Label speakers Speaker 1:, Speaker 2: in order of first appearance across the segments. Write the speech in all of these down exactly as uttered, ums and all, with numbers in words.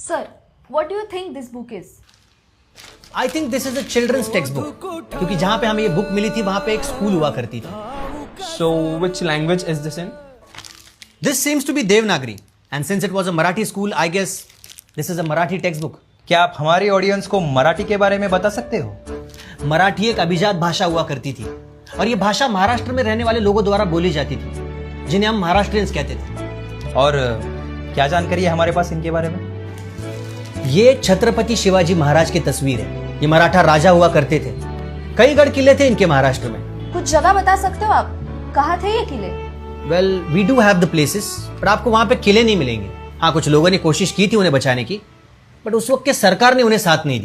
Speaker 1: Sir, what do you think this book is?
Speaker 2: I think this is a children's text book, क्योंकि जहां पे हमें ये book milli थी वहां पे एक स्कूल हुआ करती थी.
Speaker 3: So, which language is this in?
Speaker 2: This seems to be Devanagari, and since it was a Marathi school, I guess this is a Marathi text book.
Speaker 4: क्या आप हमारी ऑडियंस को मराठी के बारे में बता सकते हो?
Speaker 2: मराठी एक अभिजात भाषा हुआ करती थी, और ये भाषा महाराष्ट्र में रहने वाले लोगों द्वारा बोली जाती थी, जिन्हें हम महाराष्ट्रियंस कहते थे.
Speaker 4: और क्या जानकारी है हमारे पास इनके बारे में?
Speaker 2: ये छत्रपति शिवाजी महाराज की तस्वीर है. ये मराठा राजा हुआ करते थे. कई गढ़ किले थे इनके महाराष्ट्र में.
Speaker 1: कुछ जगह बता सकते हो आप? कहाँ थे ये किले?
Speaker 2: Well, we do have the places, पर आपको वहां पे किले नहीं मिलेंगे. हाँ, कुछ लोगों ने कोशिश की थी उन्हें बचाने की, बट उस वक्त के सरकार ने उन्हें साथ नहीं दी.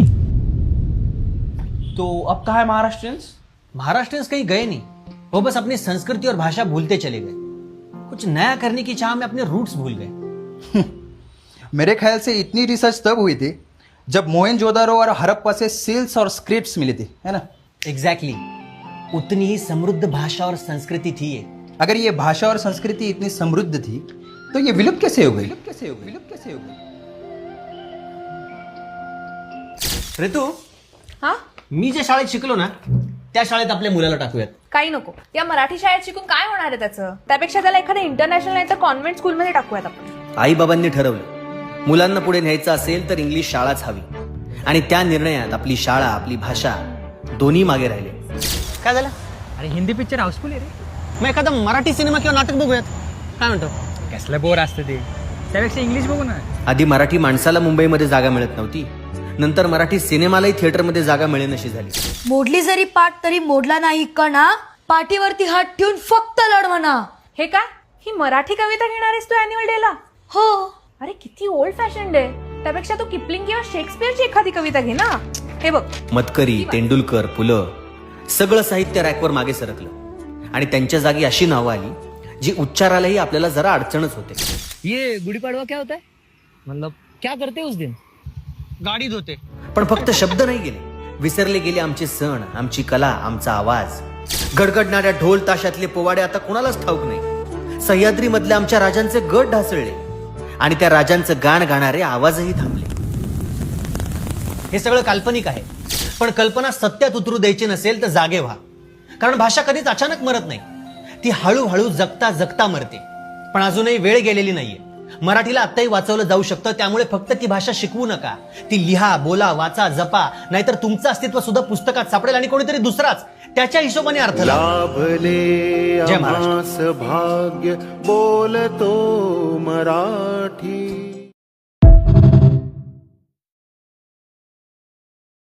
Speaker 3: तो अब कहाँ है महाराष्ट्रियंस?
Speaker 2: महाराष्ट्रियंस कहीं गए नहीं, वो बस अपनी संस्कृति और भाषा भूलते चले गए. कुछ नया करने की चाह में अपने रूट्स भूल गए.
Speaker 4: मेरे ख्याल से इतनी रिसर्च तब हुई थी जब मोहनजोदारो और हड़प्पा से सील्स और स्क्रिप्ट्स मिली थी, है ना?
Speaker 2: Exactly exactly. उतनी ही समृद्ध भाषा और संस्कृति थी ये.
Speaker 4: अगर ये भाषा और संस्कृति इतनी समृद्ध थी तो ये विलुप्त कैसे हो गई? विलुप्त कैसे हो गई? विलुप्त कैसे हो गई?
Speaker 2: ऋतू,
Speaker 1: हा?
Speaker 2: मी ज्या शाळेत शिकलो ना त्या शाळेत आपल्या मुलाला टाकूयात.
Speaker 1: काही नको. या मराठी शाळेत शिकून काय होणार आहे त्याचं? त्यापेक्षा त्याला एखाद्या इंटरनॅशनल नाही तर कॉन्व्हेंट स्कूलमध्ये टाकूयात आपण.
Speaker 2: आई बाबांनी ठरवलं मुलांना पुढे न्यायचं असेल तर इंग्लिश शाळाच हवी, आणि त्या निर्णयात आपली शाळा, आपली भाषा दोन्ही मागे राहिले. काय झालं?
Speaker 5: अरे हिंदी पिक्चर हाऊसफुल आहे रे.
Speaker 2: मग एखादा मराठी सिनेमा किंवा नाटक बघूयात. काय म्हणतो?
Speaker 5: कसलं बोर असतं ते, त्यापेक्षा इंग्लिश बघू ना.
Speaker 2: आधी मराठी माणसाला मुंबईमध्ये जागा मिळत नव्हती, नंतर मराठी सिनेमालाही थिएटरमध्ये जागा मिळेनशी झाली.
Speaker 6: मोडली जरी पाठ तरी मोडला नाही कणा, पाठीवरती हात ठेवून फक्त लढ म्हणा.
Speaker 1: हे काय? ही मराठी कविता घेणार आहेस तू अॅन्युअल डे ला?
Speaker 6: हो.
Speaker 1: अरे किती ओल्ड फॅशन डे. त्यापेक्षा तू किपलिंग किंवा शेक्सपियरची एखादी कविता घे ना. हे बघ,
Speaker 2: मतकरी, तेंडुलकर, पुलं सगळं साहित्य रॅकवर मागे सरकलं, आणि त्यांच्या जागी अशी नावं आली जी उच्चारालाही आपल्याला जरा अडचणच होते.
Speaker 5: ये गुड़ी पड़वा क्या होता है? मतलब क्या करते उस दिन?
Speaker 2: गाडी धुते. पण फक्त शब्द नाही गेले, विसरले गेले आमचे सण, आमची कला, आमचा आवाज. गडगडणाऱ्या ढोल ताशातले पोवाडे आता कोणालाच ठाऊक नाही. सह्याद्री मधल्या आमच्या राजांचे गट ढासळले, आणि त्या राजांचं गाण गाणारे आवाजही थांबले. हे सगळं काल्पनिक आहे, पण कल्पना सत्यात उतरू द्यायची नसेल तर जागे व्हा. कारण भाषा कधीच अचानक मरत नाही, ती हळूहळू जगता जगता मरते. पण अजूनही वेळ गेलेली नाहीये. मराठीला आत्ताही वाचवलं जाऊ शकतं. त्यामुळे फक्त ती भाषा शिकवू नका, ती लिहा, बोला, वाचा, जपा. नाहीतर तुमचं अस्तित्व सुद्धा पुस्तकात सापडेल आणि कोणीतरी दुसराच त्याच्या हिशोबाने अर्थ
Speaker 7: लाभले
Speaker 2: जय महाराष्ट्र.
Speaker 7: भाग्य बोलतो मराठी.